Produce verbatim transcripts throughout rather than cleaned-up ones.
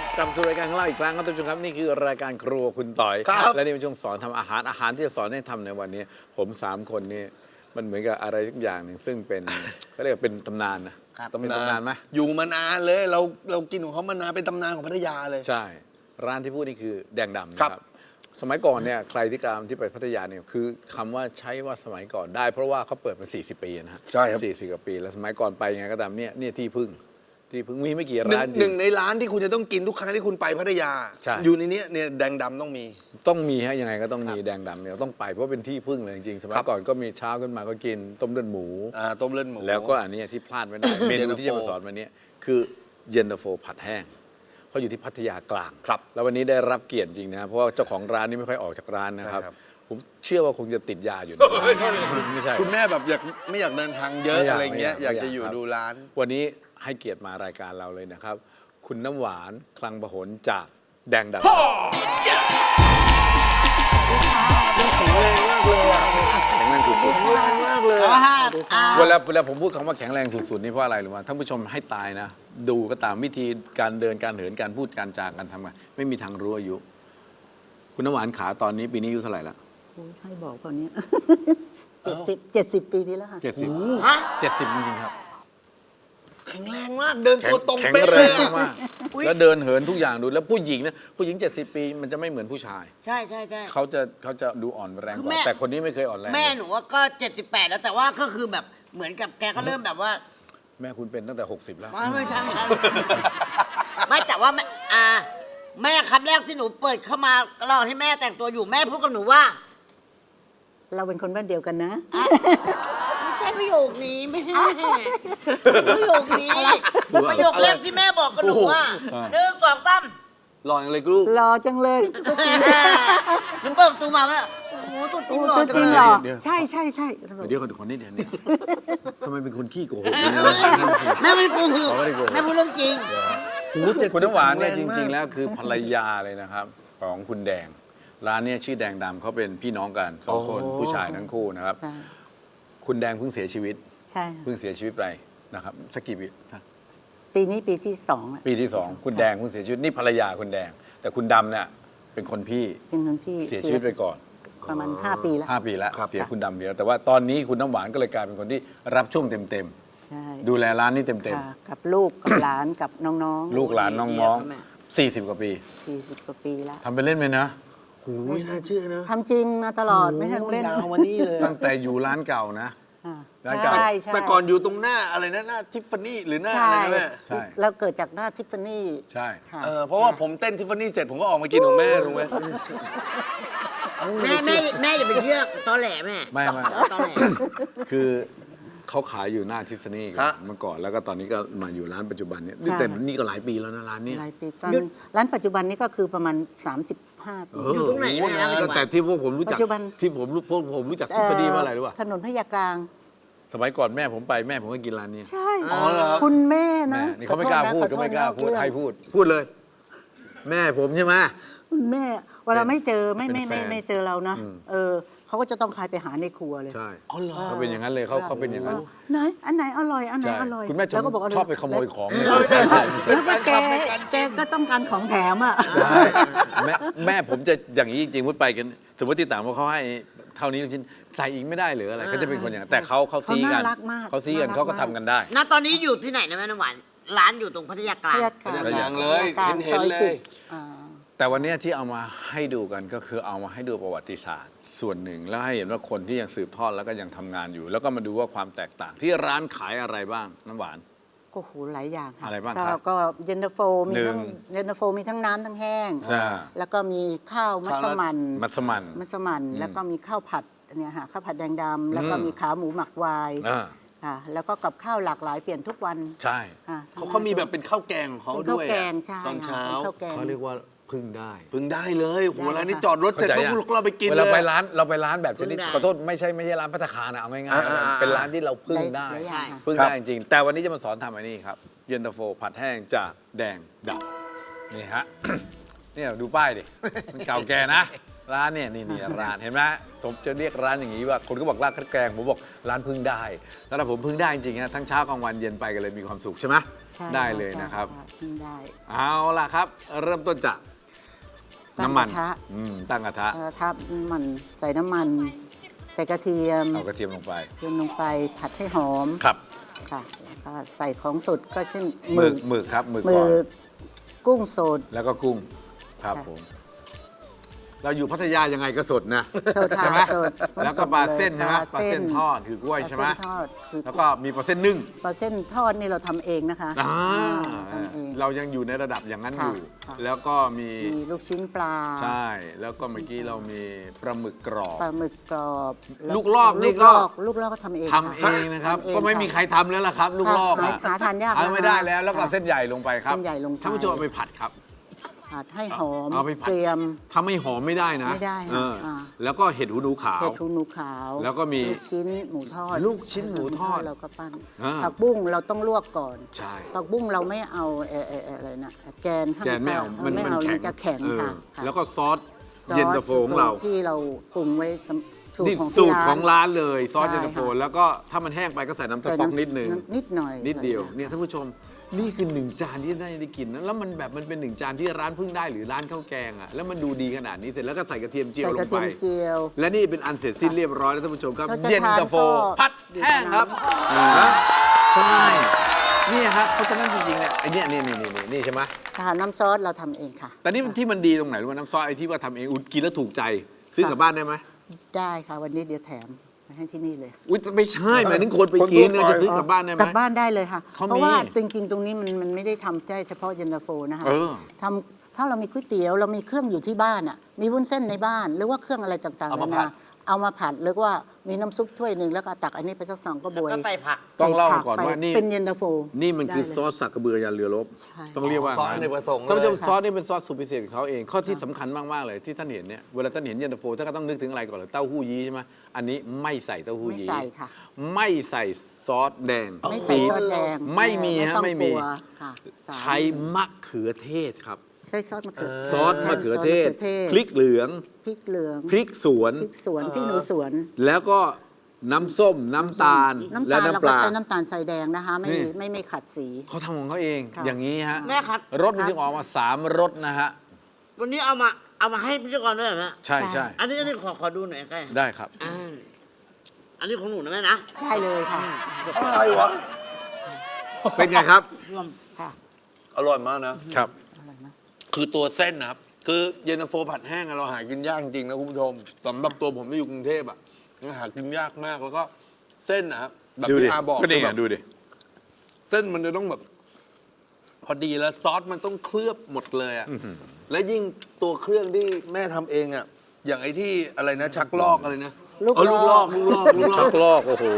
กลับสู่รายการของเราอีกครั้งครับท่านผู้ชมครับนี่คือรายการครัวคุณต่อยและนี่เป็นช่วงสอนทำอาหารอาหารที่จะสอนให้ทำในวันนี้ผมสามคนนี้มันเหมือนกับอะไรทุกอย่างหนึ่งซึ่งเป็นเขาเรียกว่าเป็นตำนานนะเป็นตำนานไหมอยู่มานานเลยเราเรากินของเขามานานเป็นตำนานของพัทยาเลยใช่ร้านที่พูดนี่คือแดงดำนะครับสมัยก่อนเนี่ยใครที่การที่ไปพัทยาเนี่ยคือคำว่าใช้ว่าสมัยก่อนได้เพราะว่าเขาเปิดมาสี่สิบปีนะฮะใช่ครับสี่สิบกว่าปีแล้วสมัยก่อนไปยังไงก็ตามเนี่ยเนี่ยที่พึ่งที่พึ่งมีไม่กี่ร้านจริงหนึ่งในร้านที่คุณจะต้องกินทุกครั้งที่คุณไปพัทยาอยู่ในนี้เนี่ยแดงดำต้องมีต้องมีฮะยังไงก็ต้องมีแดงดำเนี่ยต้องไปเพราะเป็นที่พึ่งเลยจริงๆสมัยก่อนก็มีเช้าขึ้นมาก็กินต้มเลือดหมูอ่าต้มเลือดหมูแล้วก็อันนี้ที่พลาดไม่ได้เมนูที่จะมาสอนวันนี้คือเย็นตาโฟผัดแห้งเขาอยู่ที่พัทยากลางครับแล้ววันนี้ได้รับเกียรติจริงนะเพราะว่าเจ้าของร้านนี่ไม่ค่อยออกจากร้านนะครับผมเชื่อว่าคงจะติดยาอยู่นะไม่ใช่คุณแม่แบบอยากไม่อยากเดินทางเยอะอะไรเงี้ยอยากจะอยู่ดูร้านวันนี้ให้เกียรติมารายการเราเลยนะครับ คุณน้ำหวานคลังประหลจากแดงดำแข็งแรงมากเลยอ่ะแข็งแรงสุดๆแข็งแรงมากเลยเวลาเวลาผมพูดคำว่าแข็งแรงสุดๆนี่เพราะอะไรหรือว่าท่านผู้ชมให้ตายนะดูก็ตามวิธีการเดินการเหินการพูดการจาการทำงานไม่มีทางรู้อายุคุณน้ำหวานขาตอนนี้ปีนี้อายุเท่าไหร่ละโอ้ใช่บอกตอนนี้เจ็ดสิบเจ็ดสิบปีนี้แล้วค่ะเจ็ดสิบเจ็ดสิบจริงๆครับแข็งแรงมากเดินตัวตรงแข็งเป๊ะแรเลยงมากแล้วเดินเหินทุกอย่างดูแล้วผู้หญิงนะผู้หญิงเจ็ดสิบปีมันจะไม่เหมือนผู้ชายใช่ใช่ใช่เขาจะเขาจะดูอ่อนแรงกว่าแต่คนนี้ไม่เคยอ่อนแรงแม่หนูก็เจ็ดสิบแปดแล้วแต่ว่าก็คือแบบเหมือนกับแกก็เริ่มแบบว่าแม่คุณเป็นตั้งแต่หกสิบแล้วไม่ใช่ไม่ใช่ไม่แต่ว่าแม่อ่าแม่คำแรกที่หนูเปิดเข้ามาระหว่างที่แม่แต่งตัวอยู่แม่พูดกับหนูว่าเราเป็นคนบ้านเดียวกันนะไม่ใช่ประโยคนี้แม่ประโยคนี้ประโยคแรกที่แม่บอกกับหนูว่าหนึ่งสองสามหล่ออย่างเลยลูกรอจังเลยหนูเปิดประตูมาแม่โอ้โหตัวจริงหล่อจังเลยใช่ใช่ใช่เดี๋ยวคนคนนี้เดี๋ยวนี้ทำไมเป็นคนขี้โกหกแม่ไม่โกหกแม่พูดเรื่องจริงคุณน้ำหวานเนี่ยจริงๆแล้วคือภรรยาเลยนะครับของคุณแดงร้านนี้ชื่อแดงดำเขาเป็นพี่น้องกันสองคนผู้ชายทั้งคู่นะครับคุณแดงเพิ่งเสียชีวิตใช่เพิ่งเสียชีวิตไปนะครับสักกี่ปีปีนี้ปีที่สองปีที่สองคุณแดงเพิ่งเสียชีวิตนี่ภรรยาคุณแดงแต่คุณดำเนี่ยเป็นคนพี่เป็นคนพี่เสียชีวิตไปก่อนประมาณห้าปีแล้วห้าปีแล้วเสียคุณดำเดียวแต่ว่าตอนนี้คุณน้ำหวานก็เลยกลายเป็นคนที่รับช่วงเต็มๆดูแลร้านนี้เต็มๆกับลูกกับหลานกับน้องๆลูกหลานน้องๆสี่สิบกว่าปีสี่สิบกว่าปีแล้วทำไปเล่นไหมนะโอ้ยน่าเชื่อนะทำจริงมาตลอดไม่ใช่เล่นยาวมานี่เลยตั้งแต่อยู่ร้านเก่านะร้านเก่าแต่ก่อนอยู่ตรงหน้าอะไรนะหน้าทิฟฟานี่หรือหน้าอะไรนะแม่ใช่เราเกิดจากหน้าทิฟฟานี่ใช่เออเพราะว่าผมเต้นทิฟฟานี่เสร็จผมก็ออกมากินของแม่ถูกไหมแม่แม่แม่อย่าไปเชื่อตอแหลแม่ไม่ไม่ตอแหลคือเขาขายอยู่หน้าทิฟฟานี่กันเมื่อก่อนแล้วก็ตอนนี้ก็มาอยู่ร้านปัจจุบันนี้แต่นี่ก็หลายปีแล้วนะร้านนี้หลายปีตอนร้านปัจจุบันนี้ก็คือประมาณสามสิบห้าปีอยู่ตรงไหนนะแต่ที่พวกผมรู้จักที่ผมรู้พวกผมรู้จักทิฟฟานี่ว่าอะไรรู้ป่ะถนนพญากลางสมัยก่อนแม่ผมไปแม่ผมก็กินร้านนี้ใช่คุณแม่นะนี่เขาไม่กล้าพูดเขาไม่กล้าพูดให้พูดพูดเลย แม่ผมใช่ไหมคุณแม่เวลาไม่เจอไม่ไม่ไม่ไม่เจอเรานะเออเขาก็จะต้องคายไปหาในครัวเลยใช่เขาเป็นอย่างนั้นเลยเขาเขาเป็นอย่างนั้นไหนอันไหนอร่อยอันไหนอร่อยคุณแม่ชอบไปขโมยของเลยแล้วก็แกแกก็ต้องการของแถมอ่ะแม่แม่ผมจะอย่างนี้จริงๆพูดไปกันสมมติที่ต่างว่าเขาให้เท่านี้ชิ้นใส่อีกไม่ได้หรืออะไรก็จะเป็นคนอย่างนั้นแต่เขาเขาซีกันเขาซีกันเขาก็ทำกันได้ณตอนนี้อยู่ที่ไหนนะแม่น้ำหวานร้านอยู่ตรงพัทยากลางพัทยากลางเลยเห็นเลยแต่วันนี้ที่เอามาให้ดูกันก็คือเอามาให้ดูประวัติศาสตร์ส่วนหนึ่งแล้วให้เห็นว่าคนที่ยังสืบทอดแล้วก็ยังทำงานอยู่แล้วก็มาดูว่าความแตกต่างที่ร้านขายอะไรบ้างน้ำหวานก็โหหลายอย่างค่ะอะไรบ้างครับก็เย็นตาโฟมีทั้งเย็นตาโฟมีทั้งน้ำทั้งแห้งแล้วก็มีข้าวมัสมั่นมัสมั่นมัสมั่นแล้วก็มีข้าวผัดเนี่ยค่ะข้าวผัดแดงดำแล้วก็มีขาหมูหมักวายค่ะแล้วก็กับข้าวหลากหลายเปลี่ยนทุกวันใช่เขาเขามีแบบเป็นข้าวแกงของเขาด้วยตอนเช้าเขาเรียกว่าพึ่งได้พึ่งได้เลยโหร้านนี้จอดรถเสร็จปุ๊บเราไปกินเลยเราไปร้านเราไปร้านแบบชนิดขอโทษไม่ใช่ไม่ใช่ร้านภัตตาคารนะเอาง่ายๆเป็นร้านที่เราพึ่งได้พึ่งได้จริงแต่วันนี้จะมาสอนทำอันนี้ครับเย็นตาโฟผัดแห้งจากแดงดำนี่ฮะนี่ดูป้ายดิมันเก่าแก่นะร้านเนี่ยนี่นี่ร้านเห็นไหมผมจะเรียกร้านอย่างนี้ว่าคนก็บอกร้านข้าวแกงผมบอกร้านพึ่งได้แล้วผมพึ่งได้จริงๆนะทั้งเช้ากลางวันเย็นไปกันเลยมีความสุขใช่ไหมใช่ได้เลยนะครับใช่นึ่งได้เอาล่ะครับ เริ่มต้นจากน้ำมันตั้งกระทะอืมตั้งกระทะกระทะน้ำมันใส่น้ำมัน ใส่กระเทียมเอากระเทียมลงไปเทียมลงไปผัดให้หอมครับค่ะแล้วก็ใส่ของสดก็เช่นหหมึมึกกหมึกครับหมึกหมึก่อนกกุ้งสดแล้วก็กุ้งครับค่ะผม เราอยู่พัทยายังไงก็สดนะสดค่ะใช่ไหมสดแล้วก็ปลาเส้นสดใช่ไหมเลยปลาเส้นทอดคือกล้วยใช่ไหมปลาเส้นทอดคือแล้วก็มีปลาเส้นนึ่งปลาเส้นทอดนี่เราทำเองนะคะอ่าทำเองเรายังอยู่ในระดับอย่างนั้นอค่ะยู่ค่ะแล้วก็มีมีลูกชิ้นปลาใช่ แล้วก็เมื่อกี้เรามีปลาหมึกกรอบปลาหมึกกรอบแวลูกลอกนี่ลูก็ลอกลูกลอกก็ทำเองทำเองนะครับทำเองก็ไม่มีใครทำแล้วล่ะครับ ลูกลอกหาอะหาทานยากเอาไม่ได้แล้ว แล้วก็ค่ะเส้นใหญ่ลงไปครับเส้นใหญ่ลงไปท่านผู้ชมเอาไปผัดครับผัดให้หอมเอาไปผัดเตรียมถ้าไม่หอมไม่ได้นะไม่ได้เออค่ะแล้วก็เห็ดหูหนูขาวเห็ดหูหนูขาวแล้วก็มีลูกชิ้นหมูทอดลูกชิ้นหมูทอดเราก็ปั้นอ่าผักบุ้งเราต้องลวกก่อนใช่ผักบุ้งเราไม่เอาเอ่อเอ่อเอ่ออะไรนะแกนข้างแกนไม่เอา มันไม่มันเอาแข็งจะแข็งเออค่ะค่ะแล้วก็ซอสซอสเย็นตาโฟของเราที่เราปรุงไว้สูตนี่รของสูที่ตรร้าของนร้านเลยซอสใช่เย็นตาโฟค่ะแล้วก็ถ้ามันแห้งไปก็ใส่น้ำสใส่ต๊อกนิดนึงนิดหน่อยนิดเดียวใส่เนี่ยท่านผู้ชมนี่คือหนึ่งจานที่ได้ได้กินนะแล้วมันแบบมันเป็นหนึ่งจานที่ร้านเพิ่งได้หรือร้านข้าวแกงอ่ะแล้วมันดูดีขนาดนี้เสร็จแล้วก็ใส่กระเทียมเจียวใส่ลกระงเทีไปยมเจียวและนี่เป็นอันเสร็จสิ้นเรียบร้อยแล้วท่านผู้ชมครับถ้าจะเย็นตาโฟทานก็ผัดแห้งครับนะใช่นี่ฮะเพราะฉะนั้นจริงๆเนี่ยไอ้เนี่ยนี่นี่นี่นี่ใช่ไหมค่ะน้ำซอสเราทำเองค่ะแต่นี่ที่มันดีตรงไหนรู้ไหมน้ำซอสไอ้ที่ว่าทำเองอุยกินแล้วถูกใจ ซื้อกลับบ้านได้ไหมได้ค่ะวันนี้เดี๋ยวแถมมาให้ที่นี่เลยอุ้ยไม่ใช่หมายถึงคนไปกินเนี่ยจะซื้อกลับบ้านได้ไหมกลับบ้านได้เลยค่ะเขามีเพราะว่าจริงๆตรงนี้มันมันไม่ได้ทำแค่เฉพาะเย็นตาโฟนะคะเออทำถ้าเรามีก๋วยเตี๋ยวเรามีเครื่องอยู่ที่บ้านอ่ะมีวุ้นเส้นในบ้าน หรือว่าเครื่องอะไรต่างๆเอามานาผันาดเอามาผัดหรือว่ามีน้ำซุปถ้วยหนึ่งแล้วก็ตักอันนี้ไปสักสองกระบวยแล้วก็ใส่ผักต้องเล่าใส่ผัก่อนว่าไปนี่เป็นเย็นตาโฟนี่มันคือได้เลยซอสสักกระเบือยันเรือรบใช่ต้องเรียกว่าซอสอเนกประสงค์เลยท่านผู้ชมซอสนี่เป็นซอสสูตรพิเศษของเขาเองข้อที่สำคัญมากๆเลยที่ท่านเห็นเนี่ยเวลาท่านเห็นเย็นตาโฟท่านก็ต้องนึกถึงอะไรก่อนเลยเต้าหู้ยี้ใช่ไหมอันนี้ไม่ใส่เต้าหู้ไม่ยี้ใส่ค่ะไม่ใส่ซอสแดงไม่ใส่ซอสแดงไม่มีฮะต้องไม่มีกลัวค่ะสามใช้มะเขือเทศครับใช้ซอสมะเขือซอสมะเขือเทศซสมะขือพริกเหลืองพริกเหลืองพริกสวนพริกสวนพริกหนูสวนแล้วก็น้ำส้มน้ำตาลน้ำและตาลเราน้ำปก็ลาใช้น้ำตาลทรายแดงนะคะ ไม่นี่ไม่ไม่ขัดสีเขาทำของเขาเองค่ะอย่างนี้ฮะแม่ครับรสมันจึงออกมาสามรสนะฮะวันนี้เอามาเอามาให้พิธีกรด้วยเหรอแม่ใช่ใช่อันนี้อันนี้ขอขอดูหน่อยใกล้ได้ครับอ่าอันนี้ของหนูนะแม่นะได้เลยค่ะอะไรวะเป็นไงครับรวมค่ะอร่อยมากนะครับอร่อยมากคือตัวเส้นนะครับ คือเย็นตาโฟผัดแห้งอะเราหากินยากจริงๆนะคุณผู้ชมสำหรับตัวผมที่อยู่กรุงเทพอะมันหากินยากมากแล้วก็เส้นนะครับแบบดูดิที่อาบอกก็นี่คือไงแบบดูดิเส้นมันจะต้องแบบ พอดีแล้วซอสมันต้องเคลือบหมดเลยอะและยิ่งตัวเครื่องที่แม่ทำเองอะอย่างไอ้ที่อะไรนะ ชักลอกอะไรนะลูกเออลูกลลออก กลูกลอกลูกลชัอกกลอกโอ้โห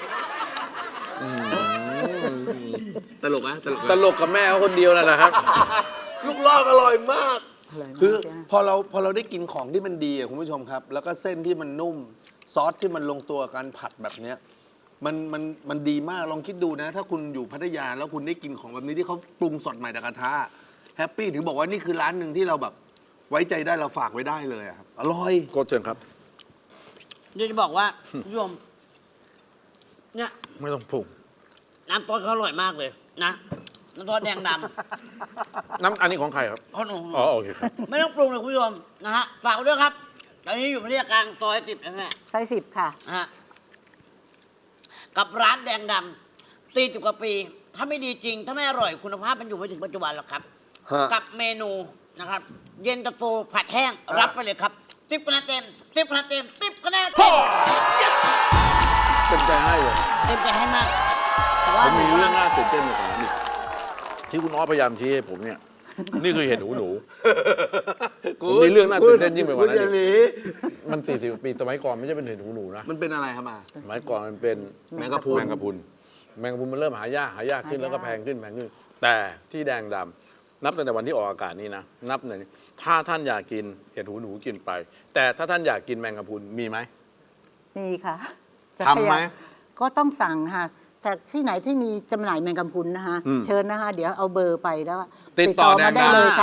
ตลกนะตลกตนะลกกับแม่เขาคนเดียวนั่นแหละครับลูกลอกอร่อยมากอร่อยมากคือจ้ะพอเราพอเราได้กินของที่มันดีอะคุณผู้ชมครับ แล้วก็เส้นที่มันนุ่ม ซอสที่มันลงตัวกับการผัดแบบเนี้ยมันมันมันดีมากลองคิดดูนะ ถ้าคุณอยู่พัทยาแล้วคุณได้กินของแบบนี้ที่เขาปรุงสดใหม่จากกระทะแฮปปี้ถึงบอกว่านี่คือร้านหนึ่งที่เราแบบไว้ใจได้เราฝากไว้ได้เลยอะครับอร่อยโคตรเชิญครับเดี๋ยวจะบอกว่าโยมเนี่ยไม่ต้องปรุงน้ำต้นเขาอร่อยมากเลยนะน้ำต้นแดงดน้ำอันนี้ของใครครับำข้าวหนูอ๋อโอเคครับไม่ต้องปรุงเลยคุณผู้ชมนะฮะฝากไว้ด้วยครับ ตอนนี้อยู่พัทยากลางซอยติดนะแม่ไซส์สิบค่ะนะฮะกับร้านแดงดำตีสิบกว่าปี ถ้าไม่ดีจริง ถ้าไม่อร่อยคุณภาพมันอยู่ไม่ถึงปัจจุบันหรอกครับฮะกับเมนูนะครับ เย็นตาโฟผัดแห้งรับไปเลยครับติ๊บคะแนนเต็มติ๊บคะแนนเต็มติ๊บคะแนนเต็มเต็มใจให้เลยเต็มใจให้มากแต่ผว่ามมีเรื่องน่าตื่นเต้นอยู่ก่อนนี่ที่คุณอ้อพยายามชี้ให้ผมเนี่ย นี่คือเห็ดหูหนู ผมมีเรื่องน่าตื่นเต้นยิ่งไปกว่านั้นคุณอย่าหนีมันสี่สิบปีสมัยก่อนไม่ใช่เป็นเห็ดหูหนูนะมันเป็นอะไรครับมาสมัยก่อนมันเป็นแมงกะพรุนแมงกะพรุนแมงกะพรุนมันเริ่มหายากหายากขึ้นหายากแล้วก็แพงขึ้นแพงขึ้น แต่ที่แดงดำนับตั้งแต่วันที่ออกอากาศนี้นะนับหนึ่งถ้าท่านอยากกินเห็ดหูหนูกินไป แต่ถ้าท่านอยากกินแมงกะพรุนมีไหมมีค่ะจะทำไหมพยายก็ต้องสั่งค่ะ แต่ที่ไหนที่มีจำหน่ายแมงกะพรุนนะคะอืมเชิญนะคะ เดี๋ยวเอาเบอร์ไปแล้วติดต่อมาได้แดงดำเลยค่ะ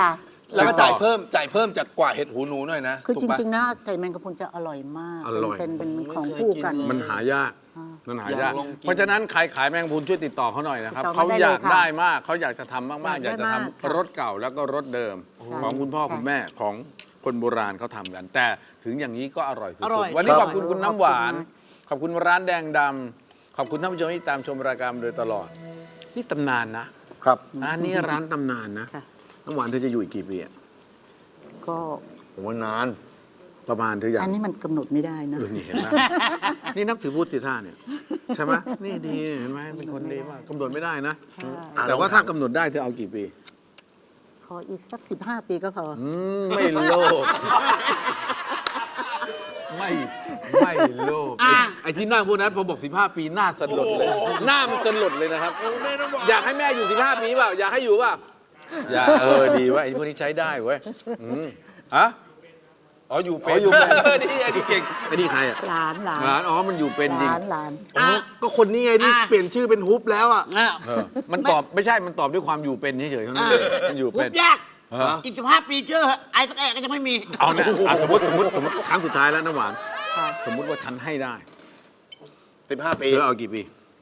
แล้วก็จ่ายเพิ่มจ่ายเพิ่มจากกว่าเห็ดหูหนูหน่อยนะคือถูจกปะริงๆนะไก่แมงกะพรุนจะอร่อยมากอร่อยเป็นเป็นเป็นของไม่เคยคู่กันกินเลยมันหายาก มันหายากอยากลองกินเพราะฉะนั้นใครขายแมงกะพรุนช่วยติดต่อเขาหน่อยนะครับติดต่อเขามาได้อยากเลยค่ะได้มากเขาอยากจะทำมากๆ อยากจะทำอยากได้มากค่ะรถเก่าแล้วก็รถเดิมค่ะของคุณพ่อค่ะคุณแม่ของคนโบราณเขาทำกัน แต่ถึงอย่างนี้ก็อร่อยสุอร่ดอยๆวันนี้คขรับอบคุณคุณน้ำหวาน ขอบคุณร้านแดงดำขอบคุณท่านผู้ชมที่ตามชมรายการมาโดยตลอด นี่ตำนานนะครับ ร้านนี้ร้านตำนานนะค่ะน้ำหวานเธอจะอยู่อีกกี่ปีอะก็โอ้นานประมาณเธออยากอันนี้มันกำหนดไม่ได้นะเออนี่เห็นไหม นี่นับถือพุทธสิท่าเนี่ยใช่ไหมนี่ดีเห็นไหมเป็นคนดีมากกำหนดไม่ได้นะใช่แต่ว่าถ้ากำหนดได้เธอเอากี่ปีขออีกสักสิบห้าปีก็พอออืมไม่โลภไม่ไม่โลภไอ้ไอ้ที่นั่งพวกนั้นพอบอกสิบห้าปีหน้าสลดเลยหน้ามันสลดเลยนะครับ อยากให้แม่อยู่สิบห้าปีเปล่าอยากให้อยู่เปล่าอยากเออดีเว่าไอ้พวกนี้ใช้ได้เว้ยอืมฮะอ๋ออยู่เป็นอ๋ออยู่เป็นเออนี่ไอ้นี่เก่งไอ้นี่ใครอ่ะหลานหลานหลานอ๋อมันอยู่เป็นจริงหลานหลานอ๋อก็คนนี้ไงที่อ่ะเปลี่ยนชื่อเป็นฮุบแล้วอ่ะอ่ะเออมันตอบไม่ใช่มันตอบด้วยความอยู่เป็นเฉยๆเท่านั้นเองมันอยู่หุเป็นบยากเอออีกสิบห้าปีเจอไอ้สักแอะก็จะไม่มีเอาเนี่ยอ่ะสมมติสมมติสมมติครั้งสุดท้ายแล้วน้ำหวานค่ะสมมุติว่าฉันให้ได้สิบห้าปีเธอเอากี่ปี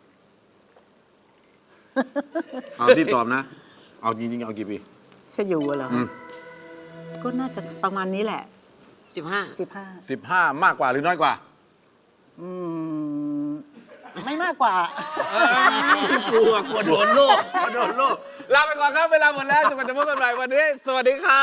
เอาที่ตอบนะ เอาจริงๆเอากี่ปีจะอยู่เหรออืมก็น่าจะประมาณนี้แหละสิบห้าสิบห้าสิบห้ามากกว่าหรือน้อยกว่าอืมไม่มากกว่ากลัวกลัวโดนโลกกลัวโดนโลกลาไปก่อนครับ เวลาหมดแล้วจนกว่าจะพบกันใหม่วันนี้ สวัสดีครับ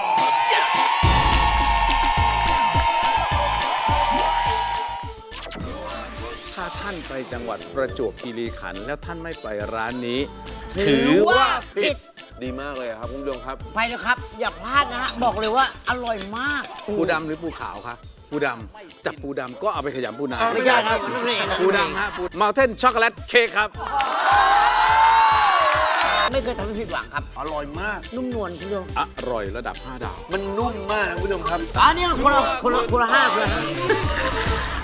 ถ้าท่านไปจังหวัดประจวบคีรีขันธ์แล้วท่านไม่ไปร้านนี้ ถือว่าผิดดีมากเลยครับคุณผู้ชมครับไปนะครับ อย่าพลาดนะฮะ บอกเลยว่าอร่อยมากปูดำหรือปูขาวครับ ปูดำจับปูดำก็เอาไปขยำปูนาไม่ใช่ครับมันไม่เองนะปูดำฮะปูมาเทนช็อกโกแลตเค้กครับไม่เคยทำให้ผิดหวังครับอร่อยมากนุ่มนวลคุณผู้ชมอร่อยระดับห้าดาวมันนุ่มมากนะคุณผู้ชมครับอันนี้คนละคนละคนละห้าคนละห้า